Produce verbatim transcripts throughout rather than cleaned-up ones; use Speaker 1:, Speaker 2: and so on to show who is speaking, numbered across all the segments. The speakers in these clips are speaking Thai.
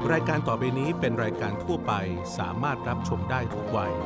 Speaker 1: รายการต่อไปนี้เป็นรายการทั่วไปสามารถรับชมได้ทุกวัย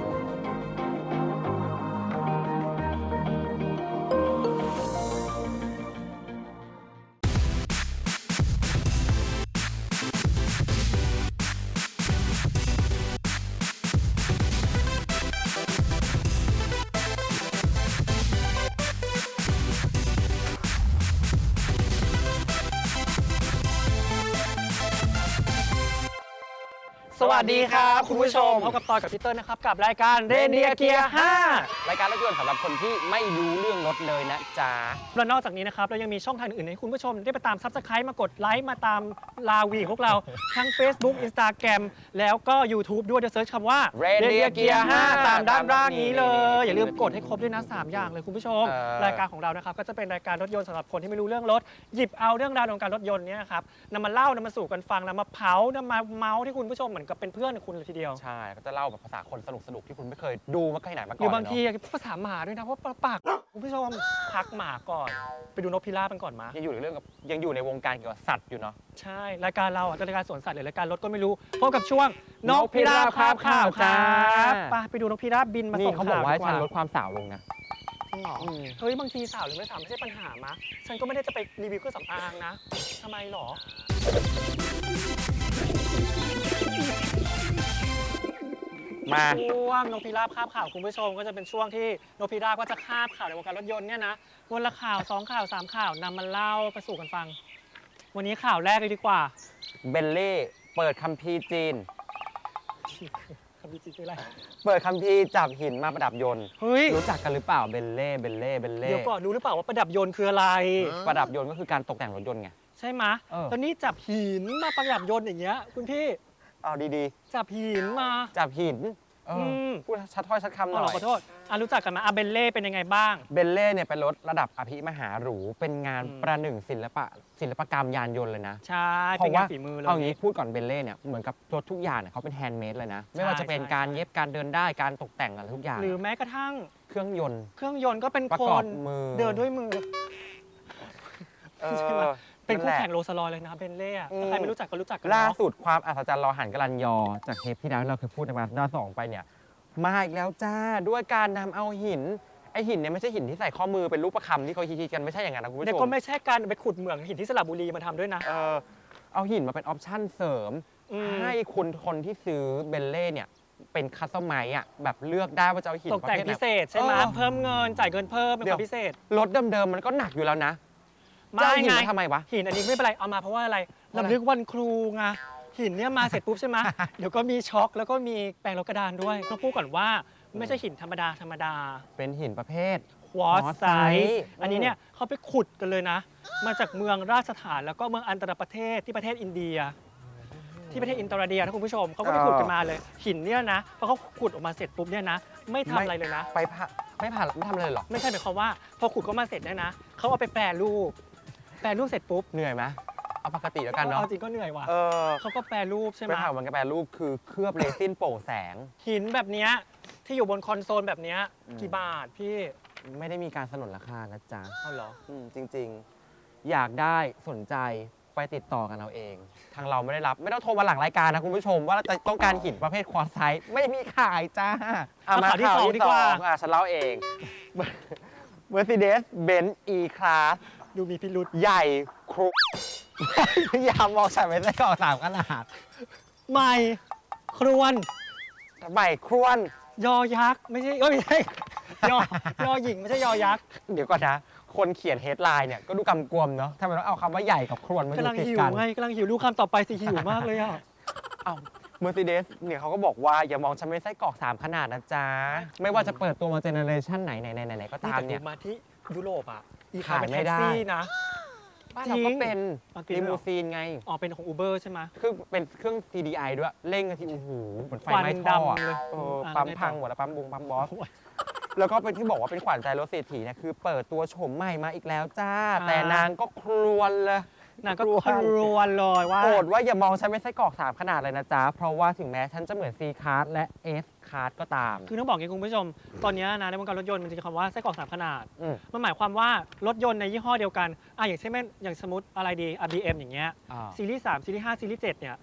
Speaker 2: สวัสดีครับคุณผู้ชมพบกับตอนกับพี่เติ้ลนะครับกับรายการเรเนียเกียร์ห้ารายการรถยนต์สำหรับคนที่ไม่รู้เรื่องรถเลยนะจ๊ะและนอกจากนี้นะครับเรายังมีช่องทางอื่นให้คุณผู้ชมได้ไปตามซับสไครต์มากดไลค์มาตามลาวีพวกเราทั้ง Facebook Instagram แล้วก็ YouTube ด้วยเดี๋ยวเซิร์ชคำว่าเรเนียเกียร์ห้าตามด้านล่างนี้เลยอย่าลืมกดให้ครบด้วยนะสามอย่างเลยคุณผู้ชมรายการของเรานะครับก็จะเป็นรายการรถยนต์สำหรับคนที่ไม่รู้เรื่องรถหยิบเอาเรื่องราวของการรถยนต์เนี่ยครับนำมาเล่านำมาสู่กันฟังนำมาเผานำมาเมาส์ที่คุณผู้ชมเหมือนกับเป็นเพื่อนคุณเลยทีเดียว
Speaker 3: ใช่ก็จะเล่าแบบภาษาคนสนุกสนุกที่คุณไม่เคยดูมาที่ไหนมาก่อน
Speaker 2: หรือบางทีภาษาหมาด้วยนะเพราะปากคุณผู้ชมพักหมาก่อนไปดูนกพิราบกันก่อนมา
Speaker 3: ยังอยู่ในเรื่องกับยังอยู่ในวงการเกี่ยวกับสัตว์อยู่เนาะ
Speaker 2: ใช่รายการเราอ่ะรายการสวนสัตว์หรือรายการรถก็ไม่รู้พบกับช่วงนกพิราบคาบข่าวครับไปไปดูนกพิราบบินมาส่งข่าว
Speaker 3: เขาบอกว่าฉันลดความสาวลงนะ
Speaker 2: จริงเหรอเฮ้ยบางทีสาวหรือไม่สาวไม่ใช่ปัญหามะฉันก็ไม่ได้จะไปรีวิวเครื่องสำอางนะทำไมหรอ
Speaker 3: มา
Speaker 2: ช่วงนกพิราบคาบข่าวคุณผู้ชมก็จะเป็นช่วงที่นกพิราบก็จะคาบข่าวในวงการรถยนต์เนี่ยนะวันละข่าวสองข่าวสามข่าวนำมาเล่าไปสู่กันฟังวันนี้ข่าวแรกเลยดีกว่า
Speaker 3: เบลเล่เปิดคัมภีร์จีน
Speaker 2: คัมภีร์จีนคืออะไร
Speaker 3: เปิดคัมภีร์จับหินมาประดับยนต์
Speaker 2: เฮ้ย
Speaker 3: รู้จักกันหรือเปล่าเบลเล่เบลเล่เบลเล่
Speaker 2: เดี๋ยวก่อนรู้หรือเปล่าว่าประดับยนต์คืออะไร
Speaker 3: ประดับยนต์ก็คือการตกแต่งรถยนต์ไง
Speaker 2: ใช่ไหมตอนนี้จับหินมาประดับยนต์อย่างเงี้ยคุณพี่
Speaker 3: เอาดี
Speaker 2: ๆจับหินมา
Speaker 3: จับหินพูดชัดถ้อยชัดคำหน่อย
Speaker 2: ขอโทษอ่ะรู้จักกันมาอ่ะเบลเล่เป็นยังไงบ้าง
Speaker 3: เบลเล่เนี่ยเป็นรถระดับอภิมหาหรูเป็นงานประหนึ่งศิลปะศิลปกรรมยานยนต์เลยนะ
Speaker 2: ใช่เป็นงานฝีมือเลย
Speaker 3: เอางี้พูดก่อนเบลเล่เนี่ยเหมือนกับรถทุกอย่างเนี่ยเขาเป็นแฮนด์เมดเลยนะไม่ว่าจะเป็นการเย็บการเดินได้การตกแต่งอะไรทุกอย่าง
Speaker 2: หรือแม้กระทั่ง
Speaker 3: เครื่องยนต์
Speaker 2: เครื่องยนต์ก็เป็นคนเดินด้วยมือใช่ไหมเป็นคู่แข่งโรลส์รอยซ์เลยนะเบนเล่ถ้าใครไม่รู้จักก็รู้จักกัน
Speaker 3: ล่าสุดความอัศจรรย์รอหันกลันยอจากเทปที่แล้วเราเคยพูดในมาด้าสองไปเนี่ยมาอีกแล้วจ้าด้วยการนำเอาหินไอหินเนี่ยไม่ใช่หินที่ใส่ข้อมือเป็นรูปประคำที่เขาคิดกันไม่ใช่อย่างนั้นนะคุณผู้ชม
Speaker 2: เนี่ยก็ไม่ใช่การไปขุดเหมืองหินที่สระบุรีมาทำด้วยนะ
Speaker 3: เออเอาหินมาเป็นออปชั่นเสริมให้คุณคนที่ซื้อเบลเล่เนี่ยเป็นคัสตอมไมซ์อ่ะแบบเลือกได้ว่าจะเอาหิน
Speaker 2: ตกแต่งพิเศษใช่ไหมเพิ่มเงินจ่ายเงินเพิ่มเป็นความพิเศษ
Speaker 3: รถเดิมๆมันก็หนักอยู่แล้วนะ
Speaker 2: ไม่
Speaker 3: ไงทำไมวะ
Speaker 2: หินอันนี้ไม่เป็นไรเอามาเพราะว่าอะไรรำลึกวันครูไงหินเนี่ยมาเสร็จปุ๊บใช่ไหมเดี๋ยวก็มีช็อคแล้วก็มีแปรงลบกระดานด้วยต้องพูดก่อนว่าไม่ใช่หินธรรมดาธรรมดา
Speaker 3: เป็นหินประเภท
Speaker 2: ควอตไซต์อันนี้เนี่ยเขาไปขุดกันเลยนะมาจากเมืองราชฐานแล้วก็เมืองอันตรประเทศที่ประเทศอินเดียที่ประเทศอินเตอร์เดียนะคุณผู้ชมเขาก็ไปขุดกันมาเลยหินเนี่ยนะพอเขาขุดออกมาเสร็จปุ๊บเนี่ยนะไม่ทำอะไรเลยนะ
Speaker 3: ไปผ่าไม่ผ่าไม่ทำอะไรหรอ
Speaker 2: ไม่ใช่หมายความว่าพอขุดเขามาเสร็จเนี่ยนะเขาเอาไปแปรรูปแปรรูปเสร็จปุ๊บ
Speaker 3: เหนื่อยไหมเอาปกติแล้วกันเนาะ
Speaker 2: เอาจริงก็เหนื่อยว่ะเขาก็แปรรูปใช่ไหม
Speaker 3: ไปผ่ามันก็แปรรูปคือเคลือบเรซินโปร่งแสง
Speaker 2: หินแบบนี้ที่อยู่บนคอนโซลแบบนี้กี่บาทพี่
Speaker 3: ไม่ได้มีการสนนราคานะจ๊ะ
Speaker 2: เอาเหรอ
Speaker 3: จริงๆอยากได้สนใจไปติดต่อกันเอาเองทางเราไม่ได้รับไม่ต้องโทรมาหลังรายการนะคุณผู้ชมว่าจะต้องการหินประเภทควอตไซต์ไม่มีขายจ้า
Speaker 2: มาข่าวที่สองดีกว่า
Speaker 3: อ่ะฉันเล่าเอง Mercedes-Benz E-Class
Speaker 2: ดูมีพิรุธ
Speaker 3: ใหญ่ครุยามมองใส่ไม่ได้ก่อสามขนาด
Speaker 2: ใหม่ครวน
Speaker 3: ใหม่ครวน
Speaker 2: ยอยักษ์ไม่ใช่เอ้ยไม่ใช่ยอยอหญิงไม่ใช่ยอยักษ์
Speaker 3: เดี๋ยวก่อนนะคนเขียนเฮดไลน์เนี่ยก็ดูกำกวมเนาะทำไมต้องเอาคำว่าใหญ่กับครวนมาอยู่ติดกัน
Speaker 2: กำลังหิวไงกำลังหิวดูคำต่อไปสิหิวมากเลยอ่ะ
Speaker 3: อ้าวเมอร์เซเดสเนี่ยเขาก็บอกว่าอย่ามองฉันเป็นไส้กรอกสามขนาดนะจ๊ะไม่ว่าจะเปิดตัวมาเจเนอเรชันไหนไหนไหนก็ตามเนี่ย
Speaker 2: มาที่ยุโรปอ่ะ
Speaker 3: ขายไม่ได้นะบ้านเราก็เป็นลิมูซีนไง
Speaker 2: อ๋อเป็นของ Uber ใช่ไหม
Speaker 3: คือเป็นเครื่อง ซี ดี ไอ ด้วยเร่งกันที่โอ้โหเหมือนไฟไหม้ท่อเลยปั๊มพังหมดแล้วปั๊มบุงปั๊มบอสแล้วก็เป็นที่บอกว่าเป็นขวัญใจรถเศรษฐีเนี่ยคือเปิดตัวโฉมใหม่มาอีกแล้วจ้าแต่นางก็ครวญเลย
Speaker 2: นางก็ครวญเลยว่า
Speaker 3: โอดว่าอย่ามองฉันเป็นไส้กรอกสามขนาดเลยนะจ๊ะเพราะว่าถึงแม้ฉันจะเหมือน C Class และ S Class ก็ตาม
Speaker 2: คือต้องบอกอย่างคุณผู้ชมตอนนี้นะในวงการรถยนต์มันจะคำว่าไส้กรอกสามขนาดมันหมายความว่ารถยนต์ในยี่ห้อเดียวกันอ่ะอย่างเช่นอย่างสมมติอะไรดี บี เอ็ม อย่างเงี้ยซีรีส์สามซีรีส์ห้าซีรีส์เจ็ดเนี่ย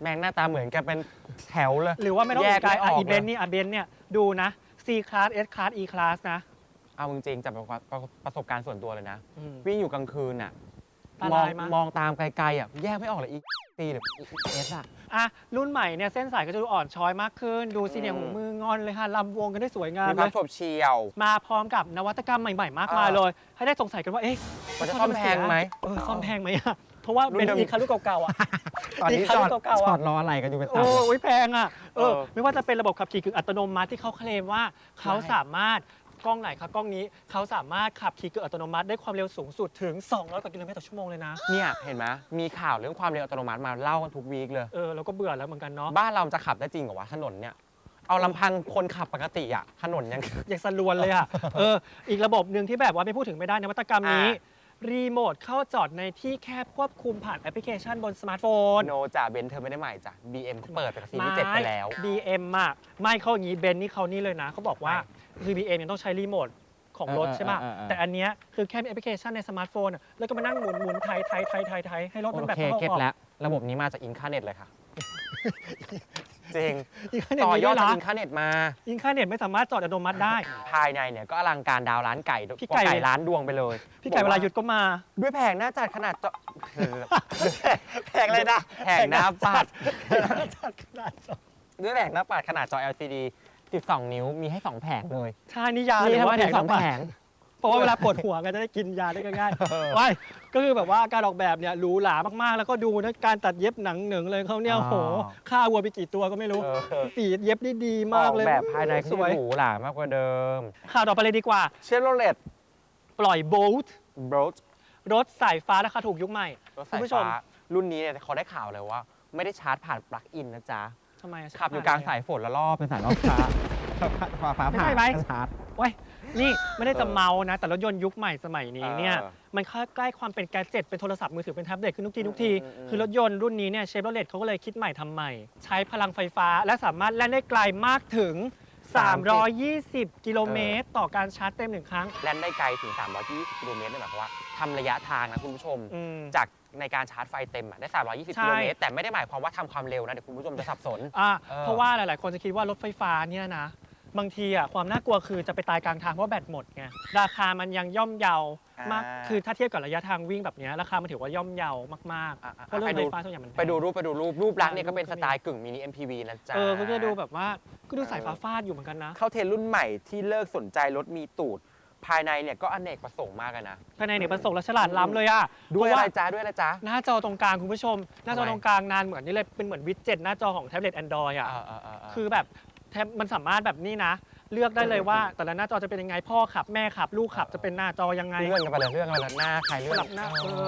Speaker 3: แม่งหน้าตาเหมือนกันเป็นแถวเลย
Speaker 2: หรือว่าไม่ต้อง
Speaker 3: แย
Speaker 2: อี
Speaker 3: ก
Speaker 2: กไกล
Speaker 3: ไม่อ
Speaker 2: อ่ะ
Speaker 3: อก
Speaker 2: อีเบน
Speaker 3: เลย
Speaker 2: นี่อ่ะเบนเนี่ยดูนะ C class S class E class นะ
Speaker 3: เอาจริงๆจากประประประสบการณ์ส่วนตัวเลยนะ
Speaker 2: อืม
Speaker 3: วิ่งอยู่กลางคืนอ่ะ
Speaker 2: ตาม ลา
Speaker 3: อง
Speaker 2: ยมั้ย
Speaker 3: มองตามไกลๆอ่ะแยกไม่ออกเลยอีซีหรือเอสอ่ะ
Speaker 2: อ่ะรุ่นใหม่เนี่ยเส้นสายก็จะดูอ่อนช้อยมากขึ้น ดูสิเนี่ย
Speaker 3: อืม
Speaker 2: หูมืองอนเลยค่ะลำวงกันได้สวยงาม
Speaker 3: มี
Speaker 2: เล
Speaker 3: ความ
Speaker 2: ย
Speaker 3: โฉบเฉี่ยว
Speaker 2: มาพร้อมกับนวัตกรรมใหม่ๆ มากมาย
Speaker 3: เออ
Speaker 2: เลย ให้ได้สงสัยกันว่าเอ๊ะ
Speaker 3: มันจะซ่อมแพงไหม
Speaker 2: เออซ่อมแพงไหมอ่ะเพราะว่า
Speaker 3: รุ่น
Speaker 2: เป็น
Speaker 3: เดิม
Speaker 2: อีคารุ่นเก่าๆอ่ะ
Speaker 3: ตอนนี้
Speaker 2: อีกคัน
Speaker 3: จอด
Speaker 2: เก่าๆอะ
Speaker 3: จอดรออะไรกันอยู่เป็น
Speaker 2: โอ้
Speaker 3: ตับ
Speaker 2: ยแพงอ่ะเออ
Speaker 3: เออ
Speaker 2: ไม่ว่าจะเป็นระบบขับขี่กึ่งอัตโนมัติที่เขาเคลมว่าเขา
Speaker 3: ใช่
Speaker 2: สามารถกล้องไหนครับกล้องนี้เขาสามารถขับขี่กึ่งอัตโนมัติได้ความเร็วสูงสุดถึงสองร้อยกว่ากิโลเมตรต่อชั่วโมงเลยนะ
Speaker 3: เนี่ยเห็นไหมมีข่าวเรื่องความเร็วอัตโนมัติมาเล่ากันทุกวีคเลย
Speaker 2: เออเราก็เบื่อแล้วเหมือนกันเนาะ
Speaker 3: บ้านเราจะขับได้จริงเหรอวะถนนเนี่ยเอาลำพังคนขับปกติอ่ะถนนยัง
Speaker 2: อย่างสลวนเลยอ่ะ เอออีกระบบหนึ่งที่แบบว่าไม่พูดถึงไม่ได้นวัตกรรมนี้
Speaker 3: อ่
Speaker 2: รีโมทเข้าจอดในที่แคบควบคุมผ่านแอปพลิเคชันบนสมาร์ทโฟน
Speaker 3: โนจ่าเบนซ์เธอไม่ได้ใหม่จ้ะ บี เอ็ม เปิดไปกับซีรีส์เจ็ดไปแล้ว
Speaker 2: บี เอ็ม อ่ะไม่เขาอย่างนี้เบนนี่เขานี่เลยนะเขาบอกว่าคือ บี เอ็ม ยังต้องใช้รีโมทของรถ
Speaker 3: เออ
Speaker 2: ใช่ป่ะ
Speaker 3: เออเออ
Speaker 2: แต่อันเนี้ยคือแค่มีแอปพลิเคชันในสมาร์ทโฟนอะแล้วก็มานั่งหมุนหมุนไทยไทยไทยไทยไทยให้รถมัน
Speaker 3: โอ
Speaker 2: แบบ
Speaker 3: เค
Speaker 2: เข้า
Speaker 3: เก็ต
Speaker 2: ออก
Speaker 3: แล้ว ระบบนี้มาจากอินคาเน็ตเลยค่ะ จริง
Speaker 2: อินคาเน็ต
Speaker 3: ต่อ
Speaker 2: มี
Speaker 3: ย
Speaker 2: ด้
Speaker 3: อ
Speaker 2: ว
Speaker 3: ด
Speaker 2: ย
Speaker 3: จาก
Speaker 2: นะ
Speaker 3: อินคาเน็ตมา
Speaker 2: อินคาเน็ตไม่สามารถจอดอัตโนมัติได้
Speaker 3: ภายในเนี่ยก็อลังการดาวร้านไก่
Speaker 2: พี่ไก่
Speaker 3: ไก่ร้านดวงไปเลย
Speaker 2: พี่ไก่เวลาหยุดก็มา
Speaker 3: ด้วยแผงหน้าจัดขนาดเจาะแผงอะไรนะแผงหน้าปัด
Speaker 2: จัดขนาดจอ
Speaker 3: ด้วยแผงหน้าปัดขนาดจอ แอล ซี ดี สิบสอง นิ้วมีให้สองแผงเลย
Speaker 2: ใช่นี่ยา
Speaker 3: มี
Speaker 2: หรือ
Speaker 3: ทั้งหม
Speaker 2: ว่า
Speaker 3: ด
Speaker 2: แผง
Speaker 3: สอง
Speaker 2: น้ำ
Speaker 3: แผ
Speaker 2: แผง
Speaker 3: ง
Speaker 2: เพราะว่าเวลาปวดหัวก็จะได้กินยาได้ง่าย
Speaker 3: เออ
Speaker 2: ๆว้ายก็คือแบบว่าการออกแบบเนี่ยหรูหรามากๆ แล้วก็ดูนะการตัดเย็บหนังหนึ่งเลยเขาเนี่ย
Speaker 3: อ๋อ
Speaker 2: โอ้โหฆ่าวัวไปกี่ตัวก็ไม่รู้
Speaker 3: เออ
Speaker 2: สีเย็บได้ดีมากเลย
Speaker 3: ออแบบภายใน
Speaker 2: ส
Speaker 3: ที่
Speaker 2: วย
Speaker 3: หรูหรามากกว่าเดิม
Speaker 2: ข่าวต่อไปเลยดีกว่า
Speaker 3: เชฟโรเลต
Speaker 2: ปล่อยโบลต์
Speaker 3: บรด
Speaker 2: รถสายฟ้าราคาถูกยุคใหม่
Speaker 3: รถ
Speaker 2: คุ
Speaker 3: สา
Speaker 2: ณ
Speaker 3: ย
Speaker 2: ผู้ชม
Speaker 3: ฟ้ารุ่นนี้เนี่ยเขาได้ข่าวเลยว่า ไม่ได้ชาร์จผ่านปลั๊กอินนะจ๊ะ
Speaker 2: ทำไมะ
Speaker 3: ขับอยู่กลางสายฝนแล้วรอบเป็นสายรอบฟ้าฟ้าฟ้า
Speaker 2: ไม่
Speaker 3: ผ่า
Speaker 2: ใช่ไหม
Speaker 3: ชาร์จ
Speaker 2: เว้ยนี่ไม่ได้จะ
Speaker 3: เออ
Speaker 2: เมานะ แต่รถยนต์ยุคใหม่สมัยนี้เนี่ย
Speaker 3: เออ
Speaker 2: มันเข้าใกล้ความเป็นแกดเจ็ตเป็นโทรศัพท์มือถือเป็นแท็บเล็ตขึ้นทุกทีทุกที
Speaker 3: อืมอืม
Speaker 2: คือรถยนต์รุ่นนี้เนี่ยเชฟโรเลตเขาก็เลยคิดใหม่ทำใหม่ ใช้พลังไฟฟ้าและสามารถแล่นได้ไกลมากถึง สามร้อยยี่สิบ กิโลเมตร ต่อการชาร์จเต็มหนึ่งครั้ง
Speaker 3: แล่นได้ไกลถึง สามร้อยยี่สิบ กิโลเมตรเลยหมายความว่าทำระยะทางนะคุณผู้ชม
Speaker 2: อืม
Speaker 3: จากในการชาร์จไฟเต็มอะได้ สามร้อยยี่สิบ
Speaker 2: ใช่
Speaker 3: กิโลเมตร แต่ไม่ได้หมายความว่าทำความเร็วนะ เดี๋ยวคุณผู้ชมจะสับสน
Speaker 2: อ่ะ
Speaker 3: เออ
Speaker 2: เพราะว่าหลาย ๆ คนจะคิดว่ารถไฟฟ้าเนี่ยนะ บางทีอ่ะความน่ากลัวคือจะไปตายกลางทางเพราะแบตหมดไงราคามันยังย่อมเยาวมาก
Speaker 3: อ่า
Speaker 2: คือถ้าเทียบกับระยะทางวิ่งแบบเนี้ยราคามันถือว่าย่อมเยาวมาก
Speaker 3: อ่ะ
Speaker 2: ๆ
Speaker 3: อ่ะ
Speaker 2: เพราะรถ
Speaker 3: ไป
Speaker 2: ไฟ
Speaker 3: ดู
Speaker 2: ฟ้าส่วนใหญ่มันแพง
Speaker 3: ไปดูรูปไปดูรูปรูปลักษณ์เนี่ย
Speaker 2: อ่า
Speaker 3: ก็เป็น
Speaker 2: รูปก็
Speaker 3: ส
Speaker 2: มี
Speaker 3: ไตล์กึ่งมินิ เอ็ม พี วี นะจ๊ะ
Speaker 2: เออก็จะดูแบบว่าก็ดูสายฟ้าฟาดอยู่เหมือนกันนะ
Speaker 3: เข้าเทรนด์รุ่นใหม่ที่เลิกสนใจรถมีตูด ภายในเนี่ยก็อเนกประสงค์มากอะนะ
Speaker 2: ภายในเนี่ยประสงค์และฉลาดล้ำเลยอ่ะ
Speaker 3: ด้วย
Speaker 2: เพ
Speaker 3: อะไร
Speaker 2: ราะว่า
Speaker 3: จ๊ะด้วยอะไรจ๊ะ
Speaker 2: หน้าจอตรงกลางคุณผู้ชม หน้าจอ
Speaker 3: ทำไม
Speaker 2: ตรงกลางนานเหมือนนี่เลยเป็นเหมือนวิดเจ็ตหน้าจอของแท็บเล็ต Android อ่ะ
Speaker 3: เออเออเออเออ
Speaker 2: คือแบบแท็บมันสามารถแบบนี้นะ เลือกได้เลยว่า แต่ละหน้าจอจะเป็นยังไงพ่อขับแม่ขับลูกขับจะเป็นหน้าจอยังไง
Speaker 3: เลื่อนกันไปเลยเลื่อนกันไปเลยหน้าใคร
Speaker 2: ส
Speaker 3: เลื่อน
Speaker 2: ลับหน้าเออ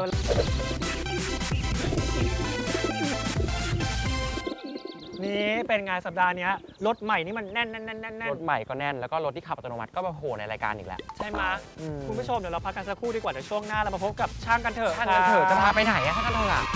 Speaker 2: นี่เป็นไงสัปดาห์เนี้ยรถใหม่นี่มันแน่นแน่นแน่นแน่นแน่
Speaker 3: ร
Speaker 2: น
Speaker 3: ถใหม่ก็แน่นแล้วก็รถที่ขับอัตโนมัติก็มาโผล่ในรายการอีกแล้ว
Speaker 2: ใช่ไหม
Speaker 3: อืม
Speaker 2: คุณผู้ชมเดี๋ยวเราพักกันสักครู่ดีกว่าเดี๋ยวช่วงหน้าเรามาพบกับช่างกันเถอะ
Speaker 3: ช่างกันเถอะจะพาไปไหนอะช่างกันเถอะอะ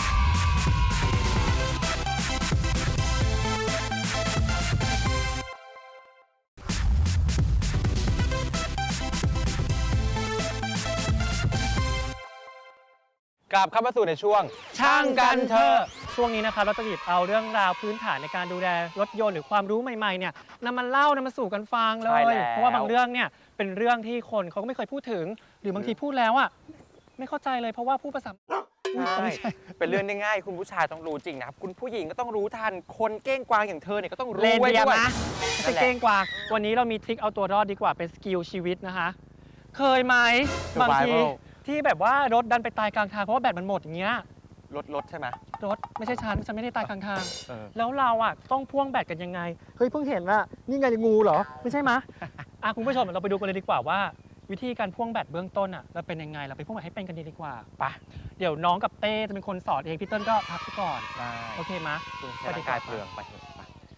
Speaker 3: กลับเข้ามาสู่ในช่วง
Speaker 2: ช่างกันเถอะช่วงนี้นะครับเราจะหยิบเอาเรื่องราวพื้นฐานในการดูแลรถยนต์หรือความรู้ใหม่ๆเนี่ยนำมาเล่านำมาสู่กันฟังเล
Speaker 3: ใช่
Speaker 2: ย
Speaker 3: แล้ว
Speaker 2: เพราะว่าบางเรื่องเนี่ยเป็นเรื่องที่คนเขาก็ไม่เคยพูดถึง หรือบางทีพูดแล้วอ่ะไม่เข้าใจเลยเพราะว่าผู้ประสานอุ๊ย
Speaker 3: ใช่
Speaker 2: ไม่ใช่
Speaker 3: เป็นเรื่องง่ายๆคุณผู้ชายต้องรู้จริงนะครับ คุณผู้หญิงก็ต้องรู้ทัน คนเก้งกวางอย่างเธอเนี่ยก็ต้องรู้
Speaker 2: เลน
Speaker 3: ไว้
Speaker 2: เดีย
Speaker 3: ด้วย
Speaker 2: นะไม่ใช่เก้งกวางวันนี้เรามีทริคเอาตัวรอดดีกว่าเป็นสกิลชีวิตนะคะ เคยไหมบางทีที่แบบว่ารถดันไปตายกลางทางเพราะว่าแบตมันหมดอย่างเงี้ย
Speaker 3: รถรถใช่ไหม
Speaker 2: รถไม่ใช่ฉันฉันไม่ได้ตายกลางทาง
Speaker 3: เออ
Speaker 2: แล้วเราอ่ะต้องพ่วงแบตกันยังไง เฮ้ยเพิ่งเห็นว่านี่ไงงูเหรอ ไม่ใช่มะ อ่ะคุณผู้ชมเดี๋ยวเราไปดูกันเลยดีกว่าว่า วิธีการพ่วงแบตเบื้องต้นอ่ะเราเป็นยังไงเราไปพ่วงแบตให้เป็นกันดีดีกว่า
Speaker 3: ไป
Speaker 2: เดี๋ยวน้องกับเต้จะเป็นคนสอนเองพี่เติ้ลก็พักไปก่อน
Speaker 3: ได้
Speaker 2: โอเคมะ
Speaker 3: คุณใช้ร่างกายเปลืองไปเถอะไป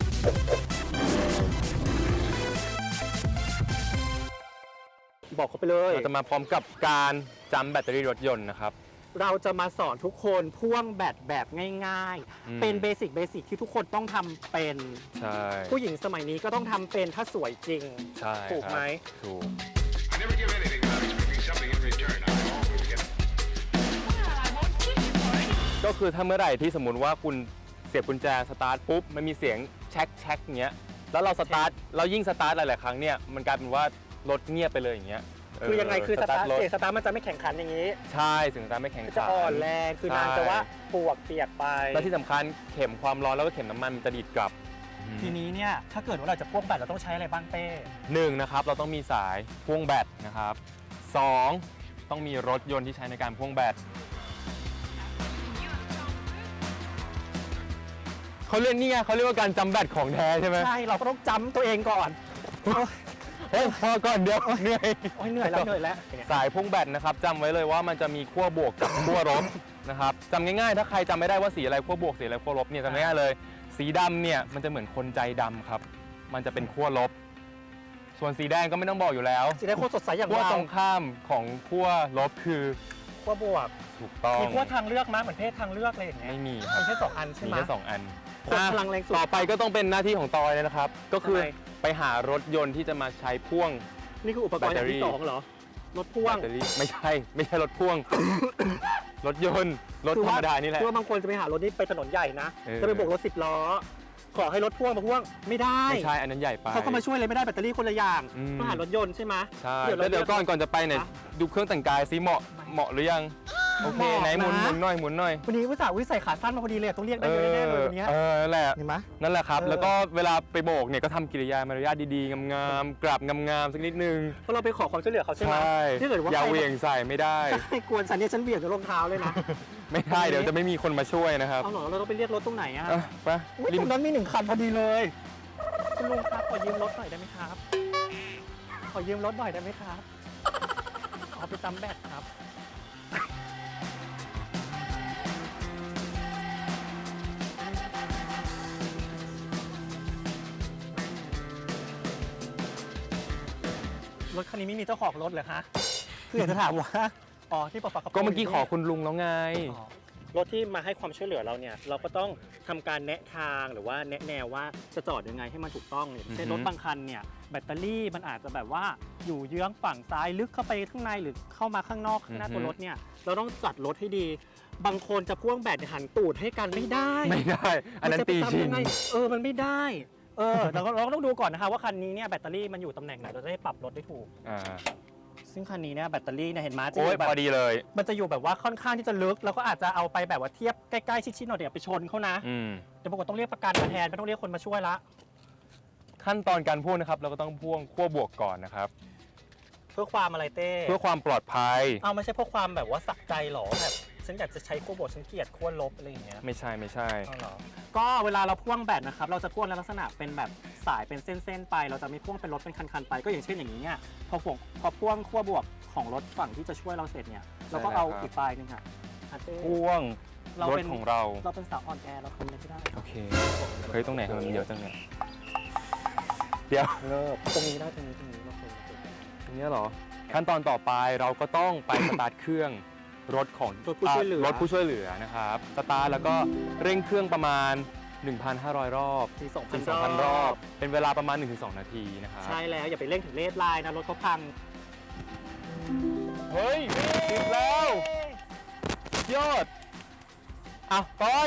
Speaker 2: บอกเขาไปเลย
Speaker 4: เราจะมาพร้อมกับการจำแบตเตอรี่รถยนต์นะครับ
Speaker 2: เราจะมาสอนทุกคนพ่วงแบตแบบง่าย
Speaker 4: อืม
Speaker 2: ๆ เป็นเบสิกเบสิกที่ทุกคนต้องทำเป็น
Speaker 4: ใช่
Speaker 2: ผู้หญิงสมัยนี้ก็ต้องทำเป็นถ้าสวยจริง
Speaker 4: ใช่
Speaker 2: ถูกไหม
Speaker 4: ครับถูก
Speaker 5: I never give anything without expecting something in return. I always get
Speaker 4: ก็คือถ้าเมื่อไหร่ที่สมมุติว่าคุณเสียบกุญแจสตาร์ทปุ๊บมันมีเสียงแช็คแช็คอย่างเงี้ยแล้วเราสตาร์ทเรายิ่งสตาร์ทหลายๆครั้งเนี่ยมันกลายเป็นว่ารถเงียบไปเลยอย่างเงี้ยเ
Speaker 2: คือยังไงคือสตาร์ท
Speaker 4: ถ
Speaker 2: เสียงสตาร์ทมันจะไม่แข่งขันอย่างนี้
Speaker 4: ใช่เสียงสตาร์ทไม่แข็งขัน
Speaker 2: จะอ่อนแรงคือนางจะว่าปวกเปียกไป
Speaker 4: และที่สำคัญเข็มความร้อนแล้วก็เข็มน้ำมันมันจะดีดกลับ
Speaker 2: ทีนี้เนี่ยถ้าเกิดว่าเราจะพ่วงแบตเราต้องใช้อะไรบ้างเป้
Speaker 4: หนึ่งนะครับเราต้องมีสายพ่วงแบตนะครับสองต้องมีรถยนต์ที่ใช้ในการพ่วงแบตเขาเรียกนี่ไงเขาเรียกว่าการจำแบตของแท้ใช่ไหม
Speaker 2: ใช่เราก็ต้องจำตัวเองก่อน
Speaker 4: เฮ้ยพอก่อนเดี๋ยวเหนื่อย
Speaker 2: โอ้ยเหนื่อยแล้วเหนื่อยแล้ว
Speaker 4: สายพ่วงแบตนะครับจำไว้เลยว่ามันจะมีขั้วบวกกับขั้วลบนะครับจำง่ายๆ ถ้าใครจำไม่ได้ว่าสีอะไรขั้วบวกสีอะไรขั้วลบเนี่ยจำง่ายๆเลย สีดำเนี่ยมันจะเหมือนคนใจดำครับมันจะเป็นขั้วลบ ส่วนสีแดงก็ไม่ต้องบอกอยู่แล้ว
Speaker 2: สีแดงโคตรสดใสอย่าง
Speaker 4: ขั้ว
Speaker 2: เรา
Speaker 4: ตรงข้ามของขั้วลบคือ
Speaker 2: ขั้วบวก
Speaker 4: ถูกต้อง
Speaker 2: มีขั้วทางเลือกมั้ยเหมือนเพศทางเลือกอะไรอย่างเงี้ย
Speaker 4: ไม่มีครั
Speaker 2: มี
Speaker 4: บ
Speaker 2: แค่สองอันใช่
Speaker 4: มี
Speaker 2: ไหม
Speaker 4: แค่สองอัน
Speaker 2: คนพลังแรงสุด
Speaker 4: ต่อไปก็ต้องเป็นหน้าที่ของตอยเลยนะครับ ก็คือ
Speaker 2: ทำไม
Speaker 4: ไปหารถยนต์ที่จะมาใช้พ่วง
Speaker 2: นี่คืออุปกรณ์อย่างที่สองเหรอรถพ่วง
Speaker 4: แบตเตอรี่ไม่ใช่ไม่ใช่รถพ่วง รถยนต์รถธรรมดานี่แหละ
Speaker 2: คือว่าบางคนจะไปหารถนี่ไปถนนใหญ่นะ
Speaker 4: เออ
Speaker 2: จะไปโบกรถสิบล้อขอให้รถพ่วงมาพ่วงไม่ได้
Speaker 4: ไม่ใช่อันนั้นใหญ่ไป
Speaker 2: เขาก็มาช่วยเลยไม่ได้แบตเตอรี่คนละอย่าง
Speaker 4: อืม
Speaker 2: ต้องหารถยนต์ใช่ไหม
Speaker 4: ใช่
Speaker 2: เรา
Speaker 4: แล้วเดี๋ยวก่อนก่อนจะไปเนี่ย
Speaker 2: ฮะ
Speaker 4: ดูเครื่องแต่งกายซิเหมาะเหมาะหรือยังโอเค
Speaker 2: เหมาะ
Speaker 4: ไหนหมุน
Speaker 2: นะ
Speaker 4: หมุนหน่อยหมุนหน่อย
Speaker 2: วันนี้วิสาวิใส่ขาสั้นมาพอดีเลยต้องเรียกได้เยอะแน่ๆเลยวันนี้
Speaker 4: เออนั่นแหละ
Speaker 2: เห็นไหม
Speaker 4: นั่นแหละครับ
Speaker 2: เออ
Speaker 4: แล้วก็เวลาไปโบกเนี่ยก็ทำกิริยามารยาทดีๆงามๆกราบงามๆสักนิดนึง
Speaker 2: เพราะเราไปขอความช่วยเหลือเขาใช่ไหม
Speaker 4: ใช่
Speaker 2: ถ้าเกิดว่า
Speaker 4: อย่า
Speaker 2: ใคร
Speaker 4: เหวี่ยงใส่ไม่ได้
Speaker 2: ใครกวนฉันเนี่ยฉันเหวี่ยงจนรองเท้าเลยนะ
Speaker 4: ไม่ได้เดี๋ยวจะไม่มีคนมาช่วยนะครับ
Speaker 2: เอาเหรอเราต้องไปเรียกรถตรงไหนอะ
Speaker 4: อ่ะไป
Speaker 2: อุ๊ย
Speaker 4: ริ
Speaker 2: ต
Speaker 4: ม
Speaker 2: รงนั้นมีหนึ่งคันพอดีเลยคุณลุงครับขอยืมรถหน่อยได้ไหมครับ ขอยืมรถหน่อยได้ไหมครับขอไปจำแบตครับ รถคันนี้ไม่มีเจ้าของรถเหรอคะคืออยากจะถามว่าอ๋อที่ปฝก
Speaker 4: ก็เมื่อกี้ขอคุณลุงแล้วไง
Speaker 2: อ๋อรถที่มาให้ความช่วยเหลือเราเนี่ยเราก็ต้องทำการแนะทางหรือว่าแนะแนวว่าจะจอดยังไงให้มันถูกต้องอย่างเช่น
Speaker 4: อือฮึ
Speaker 2: รถบางคันเนี่ยแบตเตอรี่มันอาจจะแบบว่าอยู่เยื้องฝั่งซ้ายลึกเข้าไปข้างในหรือเข้ามาข้างนอกข้างหน้าตัวรถเนี่ยเราต้องจัดรถให้ดี บางคนจะพ่วงแบตหันตูดให้กันไม่ได้
Speaker 4: ไม่ได้ อันนั้น
Speaker 2: มัจะไป
Speaker 4: ตีชิ
Speaker 2: ทำ
Speaker 4: ง
Speaker 2: ยังไงเออมันไม่ได้เออเราก็เราก็ต้องดูก่อนนะคะว่าคันนี้เนี่ยแบตเตอรี่มันอยู่ตำแหน่งไหนเราจะได้ปรับรถได้ถูก
Speaker 4: อ่า
Speaker 2: ซึ่งคันนี้เนี่ยแบตเตอรี่เนี่ยเห็นไหมจะอ
Speaker 4: โอ้ย
Speaker 2: ยู่แบบ
Speaker 4: พอดีเลย
Speaker 2: มันจะอยู่แบบว่าค่อนข้างที่จะลึกแล้วก็อาจจะเอาไปแบบว่าเทียบใกล้ๆชิดๆหน่อยเดี๋ยวไปชนเขานะ
Speaker 4: อืม
Speaker 2: เดี๋ยวปรากฏต้องเรียกประกันมาแทนไม่ต้องเรียกคนมาช่วยละ
Speaker 4: ขั้นตอนการพ่วงนะครับ เราก็ต้องพ่วงขั้วบวกก่อนนะครับ
Speaker 2: เพื่อความอะไรเต้
Speaker 4: เพื่อความปลอดภัย
Speaker 2: เอาไม่ใช่เพราะความแบบว่าสักใจหรอแบบฉันอยากจะใช้ขั้วบวกฉันเกลียดขั้วลบอะไรอย่างเงี้ย
Speaker 4: ไม่ใช่ไม่ใช่
Speaker 2: เอาเหรอก็เวลาเราพ่วงแบตนะครับเราจะพ่วงในลักษณะเป็นแบบสายเป็นเส้นๆไป เราจะไม่พ่วงเป็นรถเป็นคันๆไปก็อย่างเช่นอย่างนี้เนี่ยพอพ่วงพอพ่วงขั้วบวกของรถฝั่งที่จะช่วยเราเสร็จเนี่ยเราก็เอาอีกปลายหนึงค่ะอ่ะเต้
Speaker 4: พ่วง
Speaker 2: เรา
Speaker 4: รถ
Speaker 2: เป็น
Speaker 4: ของเรา
Speaker 2: เราเป็นสาวอ่อนแอเราทำอะไรไม่ได้
Speaker 4: โอเค เฮ้ย ตรงไหนทำไมมันเยอะจังเนี่ยเดี๋ยว
Speaker 2: เลิกตรงนี้ได้ตรงนี้ตรงนี้เราเคย
Speaker 4: ตรงเนี้ยเหรอ ขั้นตอนต่อไปเราก็ต้องไป สตาร์ทเครื่องรถของ
Speaker 2: รถผู้ช่วยเหลือ
Speaker 4: รถผู้ช่วยเหลือนะครับ สตาร์ทแล้วก็เร่งเครื่องประมาณ หนึ่งพันห้าร้อย รอบ
Speaker 2: ถึงสองพั
Speaker 4: ถึ
Speaker 2: น
Speaker 4: งสองพันรอบ เป็นเวลาประมาณ หนึ่งถึงสอง นาทีนะครับ
Speaker 2: ใช่แล้วอย่าไปเร่งถึงเลดไลน์นะรถเขาพัง
Speaker 4: เฮ้ยติดแล้วยอดอ่ะปอย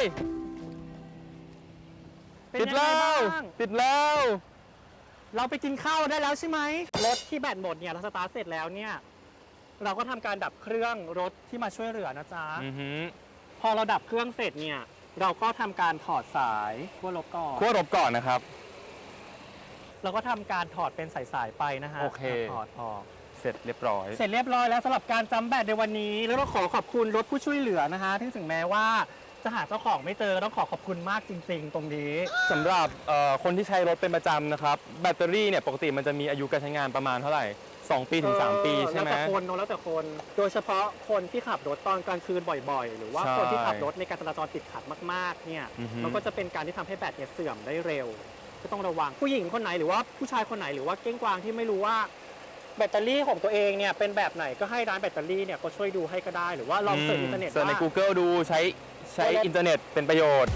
Speaker 2: เป็น
Speaker 4: ติด
Speaker 2: ยังไง
Speaker 4: แล้ว
Speaker 2: บ้าง
Speaker 4: ติดแล้ว
Speaker 2: เราไปกินข้าวได้แล้วใช่ไหมรถที่แบตหมดเนี่ยเราสตาร์ทเสร็จแล้วเนี่ยเราก็ทำการดับเครื่องรถที่มาช่วยเหลือนะจ๊ะ
Speaker 4: อือหือ
Speaker 2: พอเราดับเครื่องเสร็จเนี่ยเราก็ทำการถอดสายขั้วลบก่อน
Speaker 4: ขั้วรบก่อนนะครับ
Speaker 2: เราก็ทำการถอดเป็นสายๆไปนะฮะ
Speaker 4: โอเค
Speaker 2: ถอดออก
Speaker 4: เสร็จเรียบร้อย
Speaker 2: เสร็จเรียบร้อยแล้วสำหรับการจำแบตในวันนี้ แล้วก็ขอขอบคุณรถผู้ช่วยเหลือนะฮะที่ถึงแม้ว่าจะหาเจ้าของไม่เจอต้องขอขอบคุณมากจริง ๆ ตรงนี้
Speaker 4: สำหรับเอ่อคนที่ใช้รถเป็นประจำนะครับ แบตเตอรี่เนี่ยปกติมันจะมีอายุการใช้งานประมาณเท่าไหร่ สอง ปีถึง สาม ปีใช่ไหม
Speaker 2: แล้วแต่คนเนอะแล้วแต่คน โดยเฉพาะคนที่ขับรถตอนกลางคืนบ่อยๆ หรือว่า
Speaker 4: ใช่
Speaker 2: คนที่ขับรถในการจราจรติดขัดมากๆเนี่ย
Speaker 4: อือฮึ
Speaker 2: มันก็จะเป็นการที่ทำให้แบตเนี่ยเสื่อมได้เร็ว ก็ต้องระวังผู้หญิงคนไหนหรือว่าผู้ชายคนไหนหรือว่าเก้งกวางที่ไม่รู้ว่าแบตเตอรี่ของตัวเองเนี่ยเป็นแบบไหนก็ให้ร้านแบตเตอรี่เนี่ยก็ช่วยดูให้ก็ได้ หรือว่าลองเสิร์ชอินเทอร์เน็ต
Speaker 4: เสิร์ชใน
Speaker 2: ว่า
Speaker 4: Google ดูใช้ใช้อินเทอร์เน็ตเป็นประโยชน์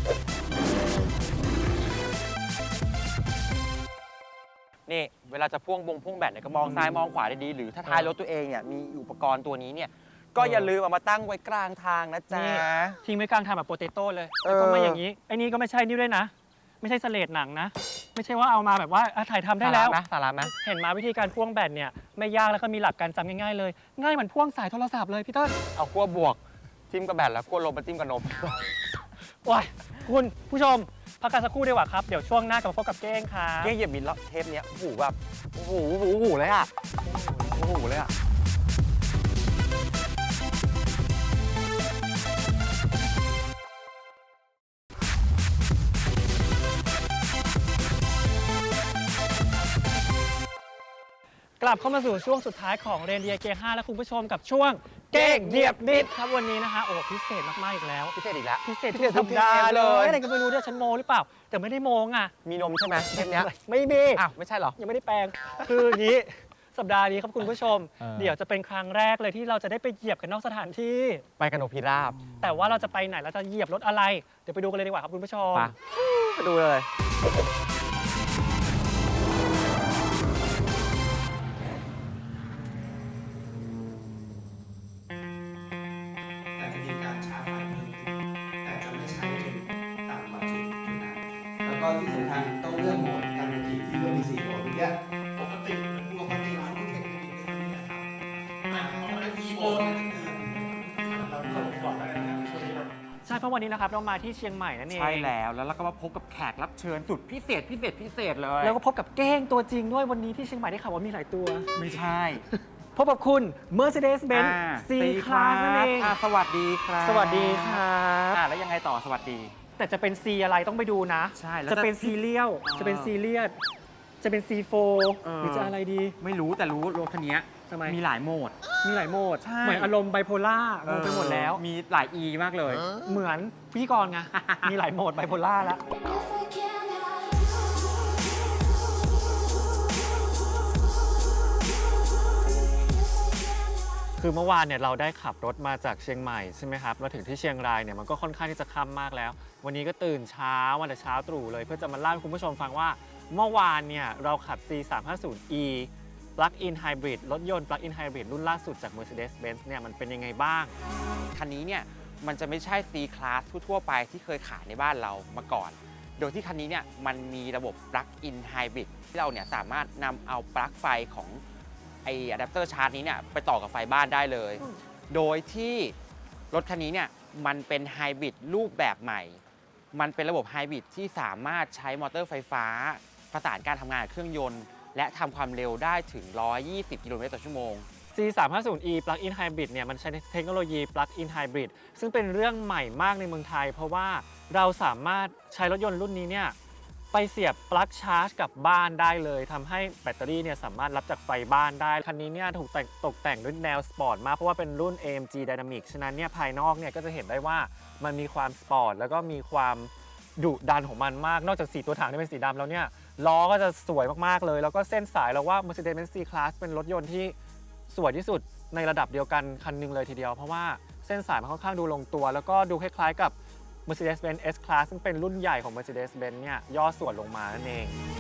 Speaker 3: นี่เวลาจะพ่วงบงพ่วงแบตเนี่ยก็มองซ้ายมองขวาได้ดีหรือถ้าท้ายรถตัวเองเนี่ยมีอุปกรณ์ตัวนี้เนี่ยก็อย่าลืมเอามาตั้งไว้กลางทางนะจ๊ะ
Speaker 2: นี่ ทิ้งไว้กลางทางแบบโปเตโต้เลย
Speaker 3: เออ
Speaker 2: แล้วก็ไม่อย่างนี้ไอ้นี่ก็ไม่ใช่นี่ด้วยนะ ไม่ใช่สเลดหนังนะ ไม่ใช่ว่าเอามาแบบว่าอ่ะถ่ายทำได้แล้ว
Speaker 3: สาระนะสาระนะ
Speaker 2: เห็นมาวิธีการพ่วงแบตเนี่ยไม่ยากแล้วก็มีหลักการจำง่ายๆเลย ง่ายเหมือนพ่วงสายโทรศัพท์เลยพี่เต้น
Speaker 3: เอาขั้วบวกจิ้มกับแบตแล้วขั้วลบมาจิ้มกับนม
Speaker 2: ว้ายคุณผู้ชมพักกันสักครู่ดีกว่าครับ เดี๋ยวช่วงหน้ากลับมาพบกับเก้งค่ะ
Speaker 3: เก้เหยียบบินแล้วเทปเนี้ยโอ้โหแบบโอ้โหโอ้โหโอ้โหเลยอ่ะโอ้โหเลยอ่ะ
Speaker 2: กลับเข้ามาสู่ช่วงสุดท้ายของเรนเดียเกียร์ห้าและคุณผู้ชมกับช่วงเก้งเหยียบบิดครับวันนี้นะคะโอ้พิเศษมากๆอีกแล้ว
Speaker 3: พิเศษอีกแล้ว
Speaker 2: พิเศษ
Speaker 3: พิ
Speaker 2: ทุ
Speaker 3: เศษ
Speaker 2: กสัปดา
Speaker 3: ทุกเท
Speaker 2: ห์
Speaker 3: ป
Speaker 2: เล
Speaker 3: เลย
Speaker 2: ยอะไรก็ไม่รู้ด้วยฉันโมหรือเปล่า แต่ไม่ได้โมงอ่ะ
Speaker 3: มีนมใช่ไหมเทปเนี้ย
Speaker 2: ไม่มี
Speaker 3: อ้าวไม่ใช่เหรอ
Speaker 2: ยังไม่ได้แปลง คืออย่างนี้ สัปดาห์นี้ครับคุณผู้ชม
Speaker 3: เออ
Speaker 2: เดี๋ยวจะเป็นครั้งแรกเลยที่เราจะได้ไปเหยียบกันนอกสถานที่
Speaker 3: ไปกันนกพิราบ
Speaker 2: แต่ว่าเราจะไปไหนเราจะเหยียบรถอะไร เดี๋ยวไปดูกันเลยดีกว่าครับคุณผู้ชม
Speaker 3: ไปไปดูเลย
Speaker 6: แต่จะมีการชาร์จไฟเพิ่มขึ้นแต่จะไม่ใช้จนต่ำกว่าจุดจุดนั้น แล้วก็ที่สำคัญต้องเลือกโหมดการเป็นขี่ที่ก็มีสี่โหมดเมื่อกี้ปกติปกติร้านรุ่นเทคนิคในนี้นะครับอ่าถ้าเป็น e โหมดนั่นคือเราเข้าไปก่อนแล้วนะครับช่วงนี้เรา
Speaker 2: ใช่เพราะวันนี้นะครับเรามาที่เชียงใหม่นั่นเอง
Speaker 3: ใช่แล้วแล้วเราก็มาพบกับแขกรับเชิญสุดพิเศษพิเศษพิเศษเลย
Speaker 2: แล้วก็พบกับเก้งตัวจริงด้วยวันนี้ที่เชียงใหม่ได้ข่าวว่ามีหลายตัว
Speaker 3: ไม่ใช่
Speaker 2: พบกับคุณ Mercedes-Benz
Speaker 3: อ่า
Speaker 2: C Class นั่นเอง
Speaker 3: อ่าสวัสดีครับ
Speaker 2: สวัสดีครับ
Speaker 3: อ่าแล้วยังไงต่อสวัสดี
Speaker 2: แต่จะเป็น C อะไรต้องไปดูนะ
Speaker 3: ใช่แล้ว
Speaker 2: จะเป็น
Speaker 3: จะ
Speaker 2: ซีเรียล
Speaker 3: เออ
Speaker 2: จะเป็นซีเรียสจะเป็น ซีโฟ
Speaker 3: เออ
Speaker 2: หรือจะอะไรดี
Speaker 3: ไม่รู้แต่รู้รถคันนี้
Speaker 2: ทำไม
Speaker 3: มีหลายโหมด
Speaker 2: มีหลายโหมด
Speaker 3: ใช่
Speaker 2: เหมือนอารมณ์ไบโพล่างงไปหมดแล้ว
Speaker 3: มีหลาย E มากเลย
Speaker 2: เหมือนพิธีกรไง มีหลายโหมดไบโพล่าแล้ว
Speaker 7: If I can't have you
Speaker 2: คือเมื่อวานเนี่ยเราได้ขับรถมาจากเชียงใหม่ใช่ไหมครับมาถึงที่เชียงรายเนี่ยมันก็ค่อนข้างที่จะค่ำมากแล้ว วันนี้ก็ตื่นเช้ามาแต่เช้าตรู่เลย เพื่อจะมาเล่าให้คุณผู้ชมฟังว่าเมื่อวานเนี่ยเราขับ ซี สามห้าศูนย์ อี Plug-in Hybrid รถยนต์ Plug-in Hybrid รุ่นล่าสุดจาก Mercedes-Benz เนี่ยมันเป็นยังไงบ้าง
Speaker 3: คันนี้เนี่ยมันจะไม่ใช่ C Class ทั่วๆไปที่เคยขายในบ้านเรามาก่อน โดยที่คันนี้เนี่ยมันมีระบบ Plug-in Hybrid ที่เราเนี่ยสามารถนำเอาปลั๊กไฟของไออะแดปเตอร์ชาร์จนี้เนี่ยไปต่อกับไฟบ้านได้เลย โดยที่รถคันนี้เนี่ยมันเป็นไฮบริดรูปแบบใหม่ มันเป็นระบบไฮบริดที่สามารถใช้มอเตอร์ไฟฟ้าประสานการทำงานกับเครื่องยนต์ และทำความเร็วได้ถึง หนึ่งร้อยยี่สิบ กิโลเมตรต่อชั่วโมง
Speaker 2: ซี สามห้าศูนย์ อี Plug-in Hybrid เนี่ยมันใช้เทคโนโลยี Plug-in Hybrid ซึ่งเป็นเรื่องใหม่มากในเมืองไทย เพราะว่าเราสามารถใช้รถยนต์รุ่นนี้เนี่ยไปเสียบปลั๊กชาร์จกับบ้านได้เลยทำให้แบตเตอรี่เนี่ยสามารถรับจากไฟบ้านได้ คันนี้เนี่ยถูกแต่งตกแต่งด้วยแนวสปอร์ตมากเพราะว่าเป็นรุ่น เอ เอ็ม จี Dynamic ฉะนั้นเนี่ยภายนอกเนี่ยก็จะเห็นได้ว่ามันมีความสปอร์ตแล้วก็มีความดุดันของมันมากนอกจากสีตัวถังที่เป็นสีดำแล้วเนี่ยล้อก็จะสวยมากๆเลยแล้วก็เส้นสายเราว่า Mercedes-Benz C Class เป็นรถยนต์ที่สวยที่สุดในระดับเดียวกันคันหนึงเลยทีเดียวเพราะว่าเส้นสายมันค่อนข้างดูลงตัว แล้วก็ดูคล้ายๆกับ Mercedes-Benz S Class ซึ่งเป็นรุ่นใหญ่ของ Mercedes-Benz เนี่ยย่อส่วนลงมานั่นเอง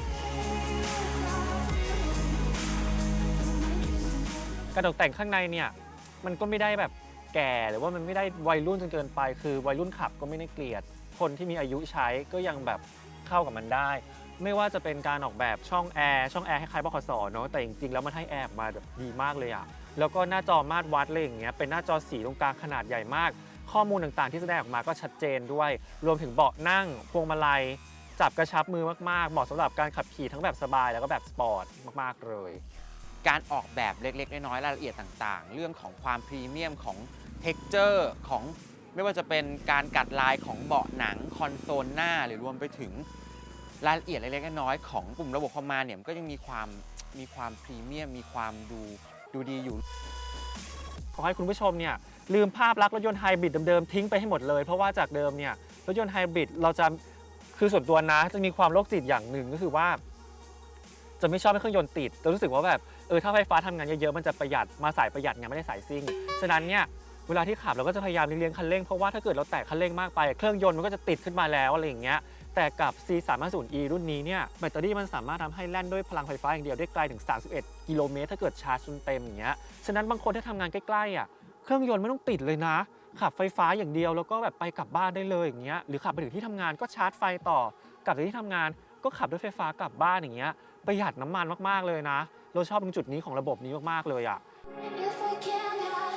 Speaker 2: กระตกแต่งข้างในเนี่ยมันก็ไม่ได้แบบแก่หรือว่ามันไม่ได้วัยรุ่นจนเกินไป คือวัยรุ่นขับก็ไม่ได้เกลียด คนที่มีอายุใช้ก็ยังแบบเข้ากับมันได้ ไม่ว่าจะเป็นการออกแบบช่องแอร์ช่องแอร์คล้ายๆบขสเนาะแต่จริงๆแล้วมันให้แอร์ออกมาแบบดีมากเลยอะแล้วก็หน้าจอมาตรวัดอะไรอย่างเงี้ยเป็นหน้าจอสีตรงกลางขนาดใหญ่มาก ข้อมูลต่างๆที่แสดงออกมาก็ชัดเจนด้วย รวมถึงเบาะนั่งพวงมาลัยจับกระชับมือมากๆเหมาะสำหรับการขับขี่ทั้งแบบสบายแล้วก็แบบสปอร์ตมากๆเลย
Speaker 3: การออกแบบเล็กๆน้อยๆรายละเอียดต่างๆ เรื่องของความพรีเมียมของเท็กเจอร์ของไม่ว่าจะเป็นการกัดลายของเบาะหนังคอนโซลหน้าหรือรวมไปถึงรายละเอียดเล็กๆน้อยๆของปุ่มระบบคอมมานด์เนี่ยมันก็ยังมีความมีความพรีเมียมมีความดูดูดีอยู่
Speaker 2: ขอให้คุณผู้ชมเนี่ยลืมภาพลักษณ์รถยนต์ไฮบริดเดิมๆทิ้งไปให้หมดเลย เพราะว่าจากเดิมเนี่ยรถยนต์ไฮบริดเราจะคือส่วนตัวนะจะมีความโรคจิตอย่างหนึ่งก็คือว่า จะไม่ชอบให้เครื่องยนต์ติดแต่รู้สึกว่าแบบเออถ้าไฟฟ้าทำงานเยอะๆมันจะประหยัดมาสายประหยัดไงไม่ได้สายซิ่งฉะนั้นเนี่ยเวลาที่ขับเราก็จะพยายามเลี้ยงคันเร่งเพราะว่าถ้าเกิดเราแตะคันเร่งมากไปเครื่องยนต์มันก็จะติดขึ้นมาแล้วอะไรอย่างเงี้ยแต่กับ ซี สามห้าศูนย์ อี รุ่นนี้เนี่ยแบตเตอรี่มันสามารถทำให้แล่นด้วยพลังไฟฟ้าอย่างเดียวได้ไกลถึงสามสิบเอ็ดกิโลเมตรถ้าเกิดชาร์จจนเต็มอย่างเงี้ยฉะนั้นบางคนที่ทำงานใกล้ๆอ่ะเครื่องยนต์ไม่ต้องติดเลยนะ ขับไฟฟ้าอย่างเดียวแล้วก็แบบไปกลับบ้านได้เลยอย่างเงี้ยหรือขับไปถึงที่ทำงานก็ชาร์จไฟต่อกลับจากที่ทำงานก็ขับด้วยไฟฟ้ากลับบ้านอย่างเงี้ยประหยัดน้ำมันมากๆเลยนะเราชอบตรงจุดนี้ของระบบนี้มากๆเลยอ่ะ
Speaker 7: If I can't have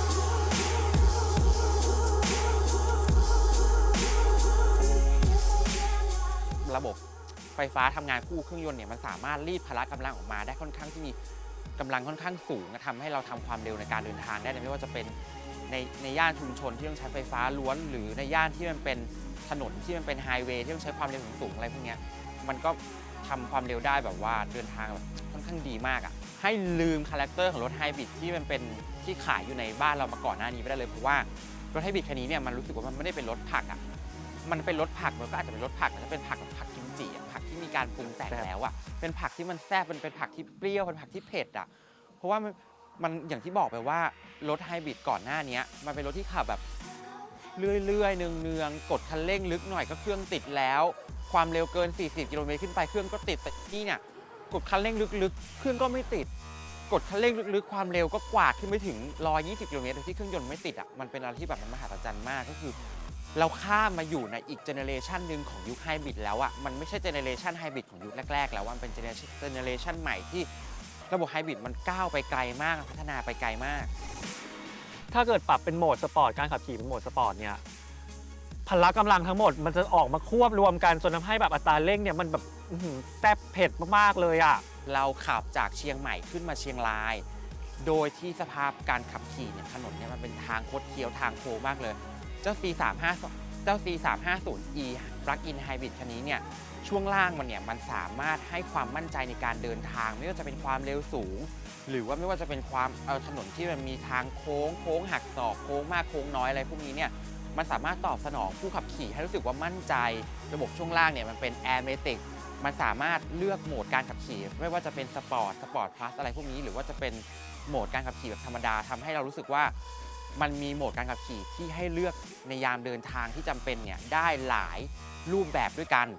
Speaker 7: you
Speaker 8: ระบบไฟฟ้าทำงานคู่เครื่องยนต์เนี่ยมันสามารถรีดพละกำลังออกมาได้ค่อนข้างที่มีกำลังค่อนข้างสูงทำให้เราทำความเร็วในการเดินทางได้ไม่ว่าจะเป็นในในย่านชุมชนที่ต้องใช้ไฟฟ้าล้วนหรือในย่านที่มันเป็นถนนที่มันเป็นไฮเวย์ที่ต้องใช้ความเร็วสูงๆอะไรพวกนี้มันก็ทำความเร็วได้แบบว่าเดินทางแบบค่อนข้างดีมากอ่ะให้ลืมคาแรคเตอร์ของรถไฮบริดที่มันเป็นที่ขายอยู่ในบ้านเรามาก่อนหน้านี้ไม่ได้เลยเพราะว่ารถไฮบริดคันนี้เนี่ยมันรู้สึกว่ามันไม่ได้เป็นรถผักอ่ะมันเป็นรถผักมันก็อาจจะเป็นรถผักแต่ถ้าเป็นผักแบบผักกิมจิอ่ะผักที่มีการปรุงแต่งแล้วอ่ะเป็นผักที่มันแซ่บเป็นเป็นผักที่เปรี้ยวเป็นผักที่เผ็ดอ่ะเพราะว่ามันมันอย่างที่บอกไปว่ารถไฮบริดก่อนหน้านี้มันเป็นรถที่ขับแบบเรื่อยๆเนืองๆกดคันเร่งลึกหน่อยก็เครื่องติดแล้วความเร็วเกินสี่สิบกิโลเมตรขึ้นไปเครื่องก็ติดแต่นี่เนี่ยกดคันเร่งลึกๆเครื่องก็ไม่ติดกดคันเร่งลึกๆความเร็วก็กวาดขึ้นไปถึงหนึ่งร้อยยี่สิบกิโลเมตรโดยที่เครื่องยนต์ไม่ติดอ่ะมันเป็นอะไรที่แบบมันมหัศจรรย์มากก็คือเราข้ามมาอยู่ในอีกเจเนเรชันหนึ่งของยุคไฮบริดแล้วอ่ะมันไม่ใช่เจเนเรชันไฮบริดของยุคแรกๆแล้วมันเป็นเจเนเรชันใหม่ที่ระบบไฮบริดมันก้าวไปไกลมากพัฒนาไปไกลมาก
Speaker 2: ถ้าเกิดปรับเป็นโหมดสปอร์ตการขับขี่เป็นโหมดสปอร์ตเนี่ยพละกำลังทั้งหมดมันจะออกมาควบรวมกันจนทำให้แบบอัตราเร่งเนี่ยมันแบบแซ่บเผ็ดมากๆเลยอ่ะ
Speaker 8: เราขับจากเชียงใหม่ขึ้นมาเชียงรายโดยที่สภาพการขับขี่เนี่ยถนนเนี่ยมันเป็นทางคดเคี้ยวทางโค้งมากเลยเจ้า ซี สามห้า เจ้า ซี สามห้าศูนย์ อี Plug-in Hybrid คันนี้เนี่ยช่วงล่างมันเนี่ยมันสามารถให้ความมั่นใจในการเดินทางไม่ว่าจะเป็นความเร็วสูงหรือว่าไม่ว่าจะเป็นความเออถนนที่มันมีทางโค้งโค้งหักศอกโค้งมากโค้งน้อยอะไรพวกนี้เนี่ยมันสามารถตอบสนองผู้ขับขี่ให้รู้สึกว่ามั่นใจระบบช่วงล่างเนี่ยมันเป็น Airmatic มันสามารถเลือกโหมดการขับขี่ไม่ว่าจะเป็นสปอร์ตสปอร์ตพลัสอะไรพวกนี้หรือว่าจะเป็นโหมดการขับขี่แบบธรรมดาทำให้เรารู้สึกว่ามันมีโหมดการขับขี่ที่ให้เลือกในยามเดินทางที่จำเป็นเนี่ยได้หลายรูปแบบด้วยกัน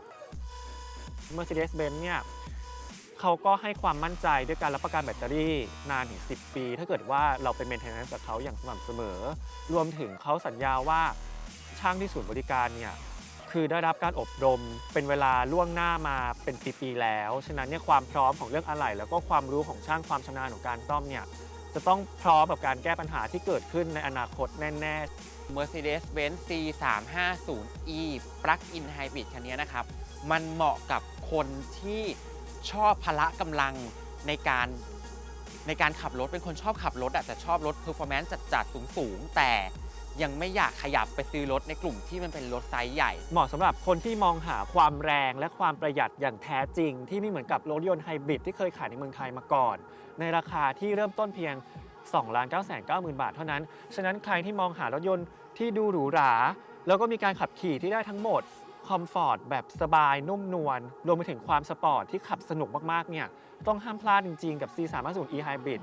Speaker 2: Mercedes-Benz เนี่ยเขาก็ให้ความมั่นใจด้วยการรับประกันแบตเตอรี่นานถึงสิบปีถ้าเกิดว่าเราเป็น maintenance กับเขาอย่างสม่ำเสมอรวมถึงเขาสัญญาว่าช่างที่ศูนย์บริการเนี่ยคือได้รับการอบรมเป็นเวลาล่วงหน้ามาเป็นปีๆแล้วฉะนั้นเนี่ยความพร้อมของเรื่องอะไหล่แล้วก็ความรู้ของช่างความชำนาญของการซ่อมเนี่ยจะต้องพร้อมกับการแก้ปัญหาที่เกิดขึ้นในอนาคตแน่ๆ
Speaker 8: Mercedes-Benz ซี สามห้าศูนย์ อี Plug-in Hybrid คันนี้นะครับมันเหมาะกับคนที่ชอบพละกำลังในการในการขับรถเป็นคนชอบขับรถแต่ชอบรถ performance จัดๆสูงๆแต่ยังไม่อยากขยับไปซื้อรถในกลุ่มที่มันเป็นรถไซส์ใหญ่
Speaker 2: เหมาะสำหรับคนที่มองหาความแรงและความประหยัดอย่างแท้จริงที่ไม่เหมือนกับรถยนต์ไฮบริดที่เคยขายในเมืองไทยมาก่อนในราคาที่เริ่มต้นเพียง สองล้านเก้าแสนเก้าหมื่น บาทเท่านั้นฉะนั้นใครที่มองหารถยนต์ที่ดูหรูหราแล้วก็มีการขับขี่ที่ได้ทั้งหมดคอมฟอร์ตแบบสบายนุ่มนวลรวมไปถึงความสปอร์ตที่ขับสนุกมากๆเนี่ยต้องห้ามพลาดจริงๆกับ ซี สามห้าศูนย์ อี Hybrid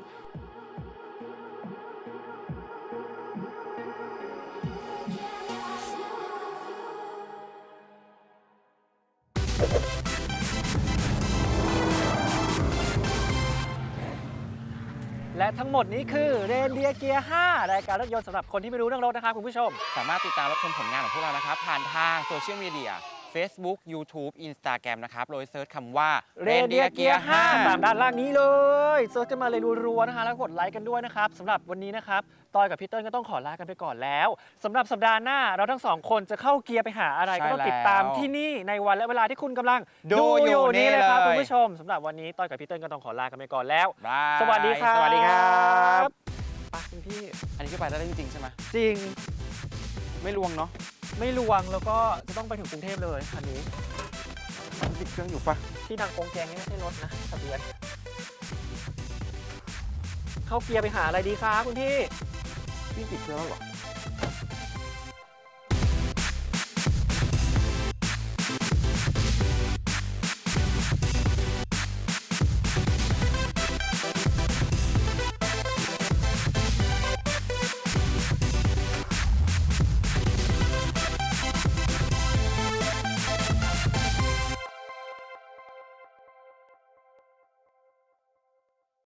Speaker 2: และทั้งหมดนี้คือเรนเดียร์เกียร์ห้ารายการรถยนต์สำหรับคนที่ไม่รู้เรื่องรถนะครับคุณผู้ชม
Speaker 8: สามารถติดตามรับชมผลงานของพวกเรานะครับผ่านทางโซเชียลมีเดีย Facebook YouTube Instagram นะครับโดยเซิร์ชคำว่า
Speaker 2: เรนเดียร์เกียร์ห้าตามด้านล่างนี้เลยเซิร์ชกันมาเลยรัวๆนะคะแล้วกดไลค์กันด้วยนะครับสำหรับวันนี้นะครับตอยกับพี่เติ้ลก็ต้องขอลากันไปก่อนแล้วสำหรับสัปดาห์หน้าเราทั้งสองคนจะเข้าเกียร์ไปหาอะไรก็ต้องติดตามที่นี่ในวันและเวลาที่คุณกำลังดูอยู่นี่เลยครับคุณผู้ชมสำหรับวันนี้ตอยกับพี่เติ้ลก็ต้องขอลากันไปก่อนแล้วสวัสดีครับ
Speaker 8: สวัสดีครับ
Speaker 2: ไปคุณพี่
Speaker 8: อันนี้ก็ไปได้จริงๆใช่ไหม
Speaker 2: จริง
Speaker 8: ไม่ลวงเนาะ
Speaker 2: ไม่ลวงแล้วก็จะต้องไปถึงกรุงเทพเลยคันนี้
Speaker 8: ติดเครื่องอยู่ปะ
Speaker 2: ที่ดังโกงแกงนี่ไม่ใช่รถนะทะเบียนเข้าเกียร์ไปหาอะไรดีครับคุณพี่
Speaker 8: พี่ติดเครื่องหรอ